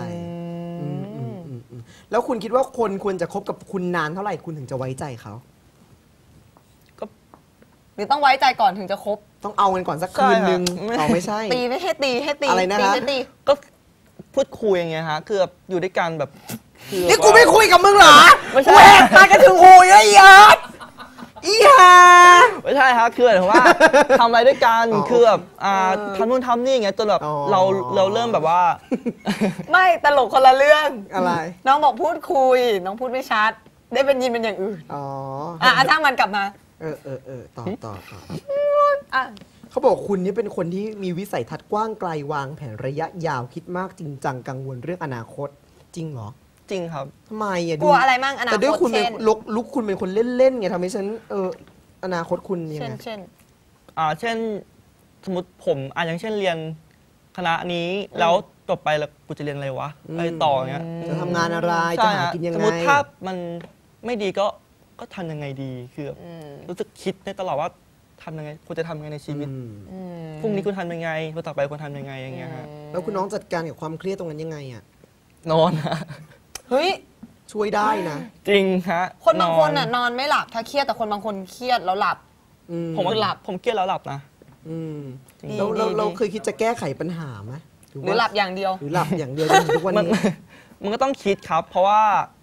[SPEAKER 1] แล้วคุณคิดว่าคนควรจะคบกับคุณนานเท่าไหร่คุณถึงจะไว้ใจเขา
[SPEAKER 3] ก็
[SPEAKER 2] หรือต้องไว้ใจก่อนถึงจะคบ
[SPEAKER 1] ต้องเอากันก่อนสักคืนนึงไม่ใช่
[SPEAKER 2] ตีไม่ให้ตี
[SPEAKER 1] อะไรนะคะ
[SPEAKER 3] ก็พูดคุยอย่างเงี้ยฮะคือแบบอยู่ด้วยกันแบบ
[SPEAKER 1] นี่กูไม่คุยกับมึงเหรอกูแหกตากันถึงหูเยอะอีห่า
[SPEAKER 3] ไม่ใช่ฮะคือแบบว่าทำอะไรด้วยกันคือแบบทำนู่นทำนี่อย่างเงี้ยจนแบบเราเริ่มแบบว่า
[SPEAKER 2] ไม่ตลกคนละเรื่อง
[SPEAKER 1] อะไร
[SPEAKER 2] น้องบอกพูดคุยน้องพูดไม่ชัดได้เป็นยินเป็นอย่างอื่นช่างมันกลับมา
[SPEAKER 1] ต่อเขาบอกคุณนี่เป็นคนที่มีวิสัยทัศน์กว้างไกลวางแผนระยะยาวคิดมากจริงจังกังวลเรื่องอนาคตจริงเหรอ
[SPEAKER 3] จริงครับ
[SPEAKER 1] ทำไม
[SPEAKER 2] กลัวอะไรมั่งอนาคต
[SPEAKER 1] แต่ด้วยคุณเป็นลุกคุณเป็นคนเล่นๆไงทำให้ฉันอนาคตคุณยังไง
[SPEAKER 2] เช่
[SPEAKER 3] นสมมติผมอย่างเช่นเรียนคณะนี้แล้วจบไปแล้วกูจะเรียนอะไรวะไปต่อเงี้ย
[SPEAKER 1] จะทำงานอะไรจะหากินยังไง
[SPEAKER 3] สมมติถ้ามันไม่ดีก็ทำยังไงดีคือรู้สึกคิดในตลอดว่าทำยังไงคุณจะทำยังไงในชีวิตพรุ่งนี้คุณทำยังไงวันต่อไปคุณทำยังไงอย่างเงี้ยฮะ
[SPEAKER 1] แล้วคุณน้องจัดการกับความเครียดตรงนั้นยังไงอ่ะ
[SPEAKER 3] นอนฮะ
[SPEAKER 2] เฮ้ย
[SPEAKER 1] ช่วยได้นะ
[SPEAKER 3] จริงฮะ
[SPEAKER 2] คนบางคนนอนไม่หลับถ้าเครียดแต่คนบางคนเครียดแล้วหลับ
[SPEAKER 3] ผมหลับผมเครียดแล้วหลับนะ
[SPEAKER 1] เราเคยคิดจะแก้ไขปัญหาไหม
[SPEAKER 2] หรือหลับอย่างเดียว
[SPEAKER 1] หรือหลับอย่างเดียวทุกวันนี้
[SPEAKER 3] มันก็ต้องคิดครับเพราะว่า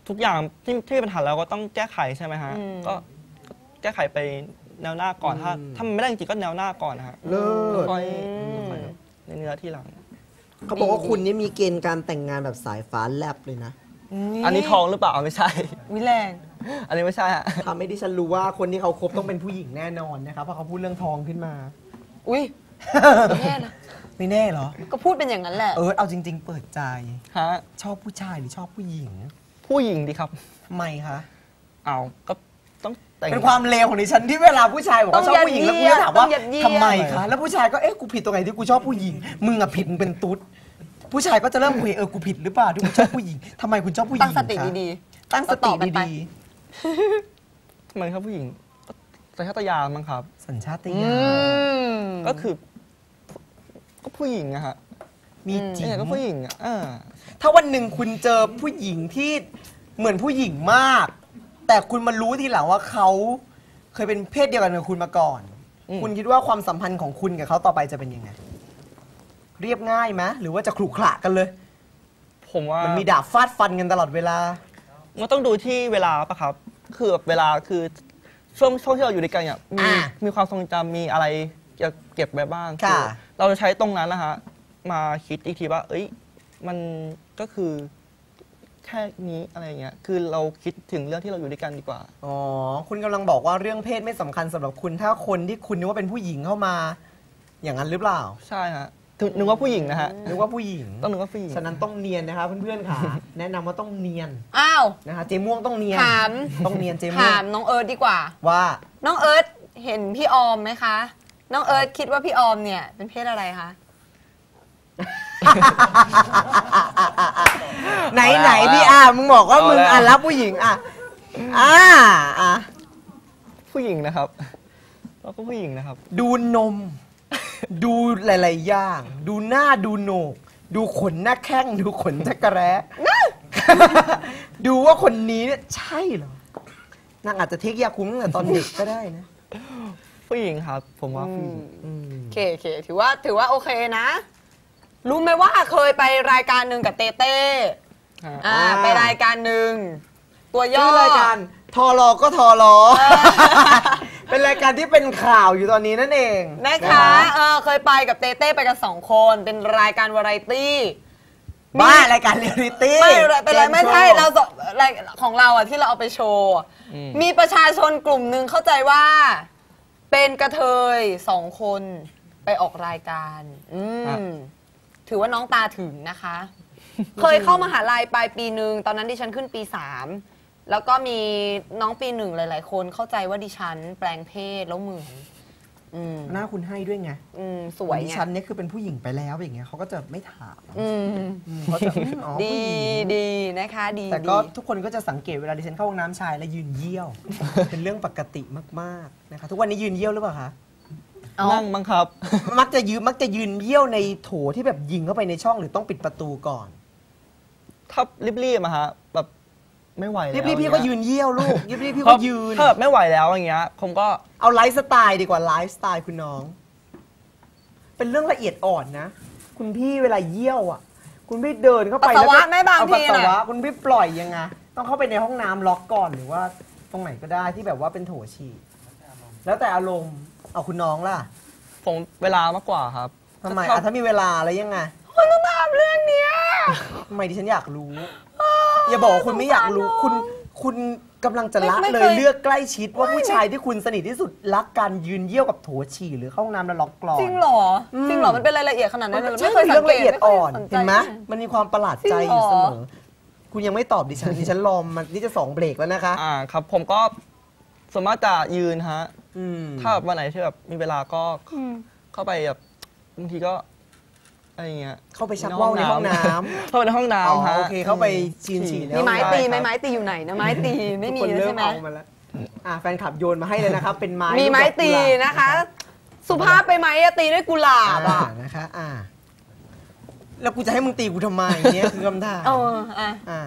[SPEAKER 3] ทุกอย่างที่มีปัญหาแล้วก็ต้องแก้ไขใช่ไหมฮะก็แก้ไขไปแนวหน้าก่อนถ้ามันไม่ได้จริงๆก็แนวหน้าก่อนนะฮะ
[SPEAKER 1] เลิศ
[SPEAKER 3] ค่อยแบบเนื้อที่หลัง
[SPEAKER 1] เขาบอกว่าคุณนี่มีเกณฑ์การแต่งงานแบบสายฟ้าแลบเลยนะ
[SPEAKER 3] อันนี้ทองหรือเปล่าไม่ใช่
[SPEAKER 2] วิแรง
[SPEAKER 3] อันนี้ไม่ใช่ฮะ
[SPEAKER 1] ทำให้ดิฉันรู้ว่าคนที่เขาคบต้องเป็นผู้หญิงแน่นอนนะครับเพราะเขาพูดเรื่องทองขึ้นมา
[SPEAKER 2] อุ้ยแน่นะ
[SPEAKER 1] ไม่แน่เหรอ
[SPEAKER 2] ก็พูดเป็นอย่างนั้นแหละ
[SPEAKER 1] เอาจริง ๆ เปิดใจ
[SPEAKER 3] ฮะ
[SPEAKER 1] ชอบผู้ชายหรือชอบผู้หญิง
[SPEAKER 3] ผู้หญิงดีครับ
[SPEAKER 1] ทำไมคะ
[SPEAKER 3] เอาก็ต้องแต่ง
[SPEAKER 1] เป็นความเลวของดิฉันที่เวลาผู้ชายบอกว่าชอบผู้หญิงแล้วกูจะถามว่า
[SPEAKER 2] ต้องยัดเยียด
[SPEAKER 1] ทำไมคะแล้วผู้ชายก็กูผิดตรงไหนที่กูชอบผู้หญิงมึงอะผิดมึงเป็นตุ๊ดผู้ชายก็จะเริ่มคุยกูผิดหรือเปล่าที่กูชอบผู้หญิงทำไมคุณชอบผู้หญิง
[SPEAKER 2] ตั้งสติ
[SPEAKER 1] คะ
[SPEAKER 2] ดี
[SPEAKER 1] ตั้งสติ
[SPEAKER 2] ต่อกันไป
[SPEAKER 1] ดี
[SPEAKER 3] ทำไมครับผู้หญิงก็สัญชาตญาณมั้งครับ
[SPEAKER 1] ๆสัญชาต
[SPEAKER 2] ๆ
[SPEAKER 1] ญาณ
[SPEAKER 3] ก็คือก็ผู้หญิงอะฮะ
[SPEAKER 1] มีจริง
[SPEAKER 3] เนี่ยก็ผู้หญิงอะ
[SPEAKER 1] ถ้าวันหนึ่งคุณเจอผู้หญิงที่เหมือนผู้หญิงมาก แต่คุณมารู้ทีหลังว่าเขาเคยเป็นเพศเดียวกันกับคุณมาก่อน คุณคิดว่าความสัมพันธ์ของคุณกับเขาต่อไปจะเป็นยังไง เรียบง่ายไหมหรือว่าจะขรุขระกันเลย
[SPEAKER 3] ผมว่า
[SPEAKER 1] มันมีดาบฟาดฟันกันตลอดเวลา
[SPEAKER 3] มันต้องดูที่เวลาปะครับ คือแบบเวลาคือช่วงที่เราอยู่ด้วยกันเนี่ยมีความทรงจำมีอะไรจะเก็บไว้บ้าง
[SPEAKER 1] ค่ะ
[SPEAKER 3] อเราจะใช้ตรงนั้นนะฮะมาคิดอีกทีว่า เอ้ยมันก็คือแค่นี้อะไรอย่างเงี้ยคือเราคิดถึงเรื่องที่เราอยู่ด้วยกันดีกว่า
[SPEAKER 1] อ๋อ คุณกำลังบอกว่าเรื่องเพศไม่สำคัญสำหรับคุณ ถ้าคนที่คุณนึกว่าเป็นผู้หญิงเข้ามา อย่างนั้นหรือเปล่า
[SPEAKER 3] ใช่ฮะนึกว่าผู้หญิงนะฮะ
[SPEAKER 1] นึกว่าผู้หญิง
[SPEAKER 3] ต้องนึกว่าผู้หญิง
[SPEAKER 1] ฉะนั้นต้องเนียนนะคะเพื่อนๆค่ะ แนะนำว่าต้องเนียน
[SPEAKER 2] อ้าว
[SPEAKER 1] นะคะเจม่วงต้องเนียน
[SPEAKER 2] ถาม
[SPEAKER 1] ต้องเนียนเจม่ว
[SPEAKER 2] ถาง มน้องเอิร์ธดีกว่า
[SPEAKER 1] ว่า
[SPEAKER 2] น้องเอิร์ธเห็นพี่ออมไหมคะ น้องเอิร์ธคิดว่าพี่ออมเนี่ยเป็นเพศอะไรคะ
[SPEAKER 1] ไหนพี่มึงบอกว่ามึงรับผู้หญิง
[SPEAKER 3] ผู้หญิงนะครับเราก็ผู้หญิงนะครับ
[SPEAKER 1] ดูนม ดูหลายๆอย่าง ดูหน้าดูโหนก ดูขนหน้าแข้งดูขนจักรแร้ ดูว่าคนนี้เนี่ยใช่เหรอนางอาจจะเทคยาคุ้มตั้งแต่ตอนเด็กก็ได้นะ
[SPEAKER 3] ผู้หญิงครับ ผมว่าผู้หญิง
[SPEAKER 2] โอเคถือว่าโอเคนะ รู้ไหมว่าเคยไปรายการหนึ่งกับเต้เต้
[SPEAKER 3] ฮะ
[SPEAKER 2] ไปรายการหนึ่งตัวย่
[SPEAKER 1] ชื่
[SPEAKER 2] อ
[SPEAKER 1] อรายการทอรอก็ทอรอ เป็นรายการที่เป็นข่าวอยู่ตอนนี้นั่นเอง
[SPEAKER 2] นะคะเคยไปกับเต้เต้ไปกัน2 คนเป็นรายการวาไรตี้
[SPEAKER 1] บ้ารายการเรียลลิตี้
[SPEAKER 2] ไม่เป็นไรไม่ใช่เรารายของเราอ่ะที่เราเอาไปโชว์อะมีประชาชนกลุ่มหนึ่งเข้าใจว่า เป็นกระเทย2 คนไปออกรายการถือว่าน้องตาถึงนะคะ เคยเข้ามหาลัยปลายปีหนึ่งตอนนั้นดิฉันขึ้นปี 3 แล้วก็มีน้องปี 1หลายๆคนเข้าใจว่าดิฉันแปลงเพศแล้วเหมือน
[SPEAKER 1] หน้าคุณให้ด้วยไง
[SPEAKER 2] สวย
[SPEAKER 1] ดิ
[SPEAKER 2] ไง
[SPEAKER 1] ฉันเนี่ยคือเป็นผู้หญิงไปแล้วอย่างเงี้ยเขาก็จะไม่ถาม
[SPEAKER 2] อืม
[SPEAKER 1] เขาจะอ๋อ
[SPEAKER 2] ดี
[SPEAKER 1] ผู้หญิง
[SPEAKER 2] ดีนะคะดี
[SPEAKER 1] แต่ก็
[SPEAKER 2] ดี
[SPEAKER 1] ทุกคนก็จะสังเกตเวลาดิฉันเข้าห้องน้ำชายแล้วยืนเยี่ยว เป็นเรื่องปกติมากๆนะคะทุกวันนี้ยืนเยี่ยวหรือเปล่าคะ
[SPEAKER 2] อ๋อ
[SPEAKER 3] นั่งมั้งครับ
[SPEAKER 1] มักจะยืนเยี่ยวในโถที่แบบยิงเข้าไปในช่องหรือต้องปิดประตูก่อน
[SPEAKER 3] ถ้ารีบๆอะฮะแบบไม่ไหวแล้ว
[SPEAKER 1] รีบๆพี่ก็ยืนเยี่ยวลูกรีบๆพี่
[SPEAKER 3] เพ
[SPEAKER 1] ก็
[SPEAKER 3] ราะ
[SPEAKER 1] ยืน
[SPEAKER 3] ถ้าแบบไม่ไหวแล้วอย่างเงี้ยผมก็
[SPEAKER 1] เอาไลฟ์สไตล์ดีกว่าไลฟ์สไตล์คุณน้อง เป็นเรื่องละเอียดอ่อนนะ คุณพี่เวลาเยี่ยวอ่ะ คุณพี่เดินเข้าไป
[SPEAKER 2] ปัสสาวะ
[SPEAKER 1] ก็
[SPEAKER 2] ไหมบาง
[SPEAKER 1] เอา
[SPEAKER 2] ที
[SPEAKER 1] ปัสสาวะ
[SPEAKER 2] น่ะ
[SPEAKER 1] คุณพี่ปล่อยยังไงต้องเข้าไปในห้องน้ำล็อกก่อนหรือว่าตรงไหนก็ได้ที่แบบว่าเป็นโถฉี่แล้วแต่อารมณ์เอาคุณน้องล่ะ
[SPEAKER 3] ผมเวลามากกว่าครับ
[SPEAKER 1] ทำไม
[SPEAKER 3] ถ้า
[SPEAKER 1] ถ้ามีเวลาแล้วยังไง
[SPEAKER 2] คุณต้องถามเรื่องเนี้ย
[SPEAKER 1] ทำไมดิฉันอยากรู้ อย่าบอกว่าคุณไม่อยากรู้คุณกำลังจะละเลยเลือกใกล้ชิดว่าผู้ชายที่คุณสนิทที่สุดรักการยืนเยี่ยวกับโถฉี่หรือเข้าห้องน้ำแล้วล็อกกรอน
[SPEAKER 2] จริงเหรอจริงเหรอมันเป็นรายละเอียดขนาดนั้นเลย
[SPEAKER 1] ใช่
[SPEAKER 2] ไม่เคย
[SPEAKER 1] เรื่
[SPEAKER 2] สั
[SPEAKER 1] อง ง
[SPEAKER 2] เก
[SPEAKER 1] ละ
[SPEAKER 2] ต
[SPEAKER 1] เอียดอ่อน
[SPEAKER 2] ไม่คยสใจ
[SPEAKER 1] เห็นไหมมันมีความประหลาดใจอยู่เสม
[SPEAKER 2] จริง
[SPEAKER 1] อ
[SPEAKER 2] เหรอ
[SPEAKER 1] คุณยังไม่ตอบดิฉันรอมันนี่จะ2 เบรกแล้วนะคะ
[SPEAKER 3] ครับผมก็ส่วนมากจะยืนฮะ
[SPEAKER 1] อืม
[SPEAKER 3] ถ้าแบบวันไหนที่แบบมีเวลาก็เข้าไปแบบบางทีก็อะไรเงี้ย
[SPEAKER 1] เข้าไปชักว่าวในห้องน้ำ
[SPEAKER 3] เข้าไปในห้อง
[SPEAKER 1] อ๋อ
[SPEAKER 3] น้ำฮะ
[SPEAKER 1] โอเคเข้าไปฉี่ใน
[SPEAKER 2] มี
[SPEAKER 1] ห้อง
[SPEAKER 2] ไม้
[SPEAKER 1] น้ำ
[SPEAKER 2] ตีไหมไม้ตีอยู่ไหนนะไม้ตีไม่มี
[SPEAKER 1] ทุกคน
[SPEAKER 2] แล้ว
[SPEAKER 1] เริ่
[SPEAKER 2] ใช่
[SPEAKER 1] ม
[SPEAKER 2] ไหม
[SPEAKER 1] เอามาแล้วแฟนคลับโยนมาให้เลยนะครับ เป็นไม้
[SPEAKER 2] มีไม้ตี
[SPEAKER 1] ลูกดอกกุหลาบ
[SPEAKER 2] นะคะ สุภาพไปไหมอะตีด้วยกุหลาบอะ
[SPEAKER 1] นะคะแล้วกูจะให้มึงตีกูทำไมเนี่ยคือคำถาม
[SPEAKER 2] อ่ะ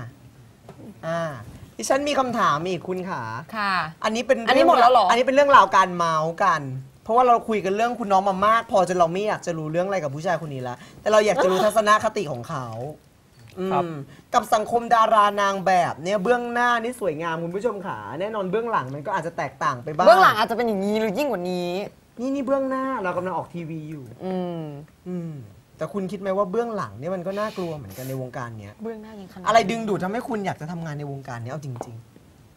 [SPEAKER 1] ดิฉันมีคำถามอีกคุณขา
[SPEAKER 2] ค่ะ
[SPEAKER 1] อันนี้เป็น
[SPEAKER 2] อันนี้หมดแล้วเหรอ
[SPEAKER 1] อันนี้เป็นเรื่องราวการเมาส์กัน เพราะว่าเราคุยกันเรื่องคุณน้องมามาก พอจนเราไม่อยากจะรู้เรื่องอะไรกับผู้ชายคนนี้ละแต่เราอยากจะรู้ทัศนคติของเขา
[SPEAKER 3] ครับ
[SPEAKER 1] กับสังคมดารานางแบบเนี่ยเบื้องหน้านี่สวยงามคุณผู้ชมขาแน่นอนเบื้องหลังมันก็อาจจะแตกต่างไปบ้าง
[SPEAKER 2] เบื้องหลังอาจจะเป็นอย่างนี้หรือยิ่งกว่านี้
[SPEAKER 1] นี่เบื้องหน้าเรากำลังออกทีวีอยู่ แต่คุณคิดไหมว่าเบื้องหลังเนี่ยมันก็น่ากลัวเหมือนกันในวงการเนี้ย
[SPEAKER 2] เบื้องหน้ายังขนาด
[SPEAKER 1] อะไรดึงดูดทำให้คุณอยากจะทำงานในวงการนี้เอาจริง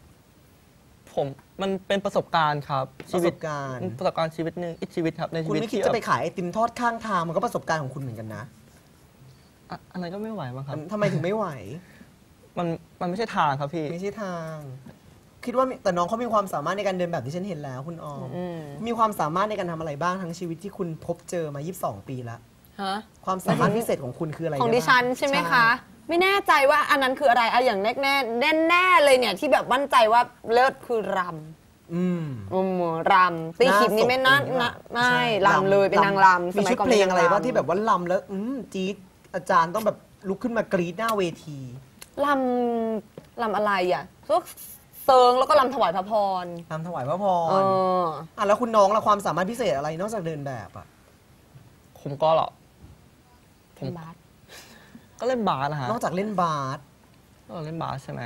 [SPEAKER 3] มันเป็นประสบการณ์ครับ
[SPEAKER 1] ๆประสบการณ์
[SPEAKER 3] ประสบการณ์ชีวิตหนึ่งอีกชีวิตครับในชี
[SPEAKER 1] คุณ
[SPEAKER 3] วิต
[SPEAKER 1] ไม่คิด
[SPEAKER 3] ที่
[SPEAKER 1] จะไปขายไอติมทอดข้างทางมันก็ประสบการณ์ของคุณเหมือนกันนะ
[SPEAKER 3] อันนั้นก็ไม่ไหวมั้งครับ
[SPEAKER 1] ทำไมถึงไม่ไหว
[SPEAKER 3] มันไม่ใช่ทางครับพี่
[SPEAKER 1] ไม่ใช่ทาง คิดว่าแต่น้องเขามีความสามารถในการเดินแบบที่ฉันเห็นแล้วคุณออมมีความสามารถในการทำอะไรบ้างทั้งชีวิตที่คุณพบเจอมา22 ปีแล้ว
[SPEAKER 2] ฮะ
[SPEAKER 1] ความสามารถพิเศษของคุณคืออะไร
[SPEAKER 2] ของดิฉันใช่ไหมคะ ไม่แน่ใจว่าอันนั้นคืออะไรอะอย่างแน่เลยเนี่ยที่แบบมั่นใจว่าเลิศคือรำรำตีขิมนี่ไม่น่าไม่รำเลยเป็นนางรำ
[SPEAKER 1] มีชุดเพลงอะไรบ้างที่แบบว่าลำแล้วจี๊ดอาจารย์ต้องแบบลุกขึ้นมากรี๊ดหน้าเวที
[SPEAKER 2] รำอะไรอ่ะพวกเซิงแล้วก็รำถวายพระพร
[SPEAKER 1] รำถวายพระพรแล้วคุณน้องละความสามารถพิเศษอะไรนอกจากเดินแบบอ่ะ
[SPEAKER 3] ผมก็หรอผม
[SPEAKER 2] บาส
[SPEAKER 3] ก็เล่นบาสนะฮะ
[SPEAKER 1] นอกจากเล่นบาส
[SPEAKER 3] เราเล่นบาสใช่ไหม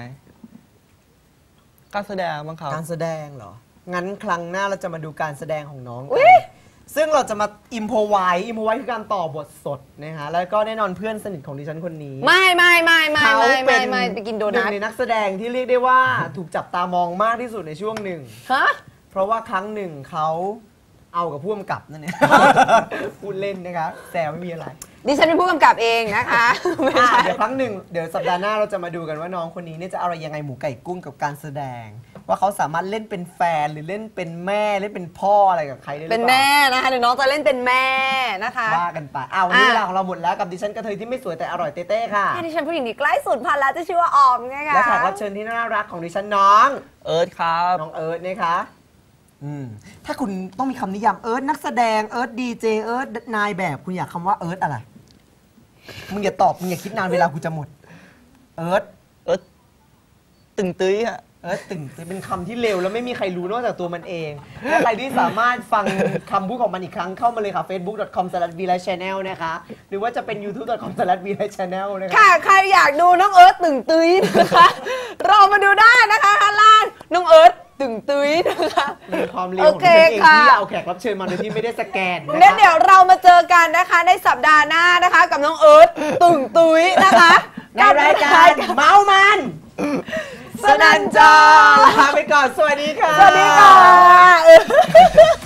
[SPEAKER 3] การแสดงบ้างครับ
[SPEAKER 1] การแสดงเหรอ งั้นครั้งหน้าเราจะมาดูการแสดงของน้องกันซึ่งเราจะมาอิมโพไวส์คือการต่อบทสดนะฮะ แล้วก็แน่นอนเพื่อนสนิทของดิฉันคนนี้
[SPEAKER 2] ไม่
[SPEAKER 1] เขาเป็น
[SPEAKER 2] ไปกินโด
[SPEAKER 1] หนึ่
[SPEAKER 2] นั
[SPEAKER 1] ง
[SPEAKER 2] ท
[SPEAKER 1] ในนักแสดงที่เรียกได้ว่าถูกจับตามองมากที่สุดในช่วงหนึ่ง
[SPEAKER 2] ฮะ
[SPEAKER 1] เพราะว่าครั้งหนึ่งเขาเอากับผู้กำกับนั่นเองพูดเล่นนะคะแซวไม่มีอะไร
[SPEAKER 2] ดิฉันเป็นผู้กำกับเองนะคะไม่ใช่
[SPEAKER 1] เดี๋ยวครั้งหนึ่งเดี๋ยวสัปดาห์หน้าเราจะมาดูกันว่าน้องคนนี้เนี่ยจะอะไรยังไงหมูไก่กุ้งกับการแสดง ว่าเขาสามารถเล่นเป็นแฟนหรือเล่นเป็นแม่เล่นเป็นพ่ออะไรกับใครได้หรือเป
[SPEAKER 2] เป็น
[SPEAKER 1] ล่า
[SPEAKER 2] แม่นะคะเดี๋ยวน้องจะเล่นเป็นแม่นะคะ
[SPEAKER 1] ว่ากันไปวันนี้เวลาของเราหมดแล้วกับดิฉันกระเทยที่ไม่สวยแต่อร่อยเต้ๆค่ะ
[SPEAKER 2] ดิฉันผู้หญิงที่ใกล้สุดพันแล้วจะชื่อว่าออมไงคะ
[SPEAKER 1] และแขกรับเชิญที่น่ารักของดิฉันน้อง
[SPEAKER 3] เอิร์ธครับ
[SPEAKER 1] น้องเอิร์ธนะคะถ้าคุณต้องมีคำนิยามเอิร์ธนักแสดงเอิร์ธดีเจเอิร์ธนายแบบคุณอยากคำว่าเอิร์ธอะไรมึงอย่าตอบมึงอย่าคิดนานเวลากูจะหมดเอิร์ธ
[SPEAKER 3] ตึงตื้ยฮะ
[SPEAKER 1] ตึงเป็นคำที่เร็วแล้วไม่มีใครรู้นอกจากตัวมันเองและใครที่สามารถฟังคำพูดของมันอีกครั้งเข้ามาเลยค่ะ facebook.com/vlightchannel นะคะหรือว่าจะเป็น youtube.com/vlightchannel นะคะ
[SPEAKER 2] ค่ะใครอยากดูน้องเอิร์ธตึงตุ้ยนะคะรอมาดูได้นะคะข้างล่างน้องเอิร์ธตึงตุ้ยนะคะ
[SPEAKER 1] มีความเร็วของตัวเองที่เอาแขกรับเชิญมาโดยที่ไม่ได้สแกน
[SPEAKER 2] เดี๋ยวเรามาเจอกันนะคะในสัปดาห์หน้านะคะ กับน้องเอิร์ธตึงตุ้ยนะคะ
[SPEAKER 1] ในรายการเมามันสนันจอลาไปก่อนสวัสดีค่ะ
[SPEAKER 2] สวัสดีค่ะ